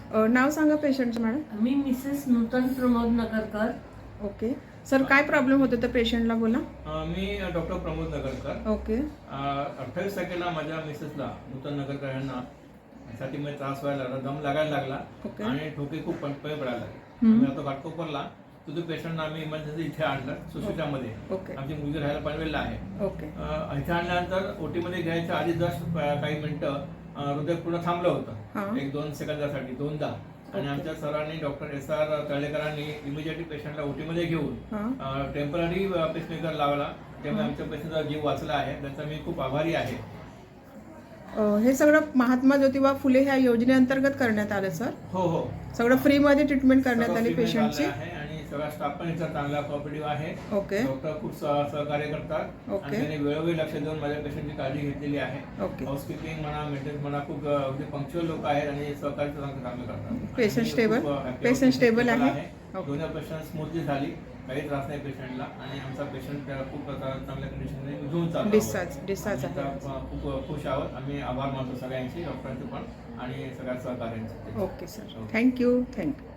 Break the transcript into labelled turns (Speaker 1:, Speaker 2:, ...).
Speaker 1: नाव सांगा पेशंटचं मॅडम.
Speaker 2: मी Mrs Nutan Pramod Nagarkar.
Speaker 1: Okay sir, काय प्रॉब्लेम होतो त्या पेशंटला, बोला.
Speaker 3: मी डॉक्टर प्रमोद नगरकर.
Speaker 1: ओके.
Speaker 3: 28 तारखेला माझ्या मिसेसला नूतन नगरकर यांना छातीमध्ये त्रास व्हायला लागला, दम लागायला लागला
Speaker 1: ओके.
Speaker 3: आणि ठोके खूप पडपळे पडायला लागले. आम्ही आता घाटकोपरला तो पेशंटला आम्ही इमर्जन्सी इथे आणलं सुशिटामध्ये.
Speaker 1: ओके.
Speaker 3: आमची मुलगी राहायला पनवेलला आहे.
Speaker 1: ओके.
Speaker 3: इथे आणल्यानंतर ओटीमध्ये घ्यायच्या आधी जस्ट काही मिनिटं हृदय पूर्ण थांबलं होतं, 1-2 सेकंदासाठी 2दा. आणि आमच्या सरांनी डॉक्टर SR तळेकरांनी इमिजिएटली पेशंटला ओटीमध्ये घेऊन टेम्पररी पेसमेकर लावला. त्यामुळे आमच्या पेशंटचा जीव वाचला आहे. त्याचा मी खूप आभारी आहे.
Speaker 1: हे सगळं महात्मा ज्योतिबा फुले ह्या योजनेअंतर्गत करण्यात आलं सर.
Speaker 3: हो.
Speaker 1: सगळं फ्रीमध्ये ट्रीटमेंट करण्यात आली पेशंटची.
Speaker 3: आणि सगळा स्टाफ पण इथं चांगला कोऑपरेटिव्ह आहे.
Speaker 1: ओके.
Speaker 3: डॉक्टर खूप सहकार्य करतात.
Speaker 1: ओके.
Speaker 3: आणि त्यांनी वेळोवेळी लक्ष देऊन माझ्या पेशंटची काळजी घेतलेली आहे.
Speaker 1: ओके.
Speaker 3: हाऊसकीपिंग म्हणा, मेंटेनन्स म्हणा, खूप अगदी पंक्च्युअल लोक आहेत आणि सहकार्य चांगलं करतात.
Speaker 1: पेशंट स्टेबल आहे.
Speaker 3: दोन्ही ऑपरेशन स्मूथली झाली, काही त्रास नाही पेशंटला. आणि आमचा पेशंट खूप चांगल्या कंडिशनमध्ये घेऊन चालतो.
Speaker 1: डिस्चार्ज आहे.
Speaker 3: खूप खुश आहोत. आम्ही आभार मानतो सगळ्यांचे, डॉक्टरांचे पण आणि सगळ्या सहकार्यांचे.
Speaker 1: Okay sir, thank you.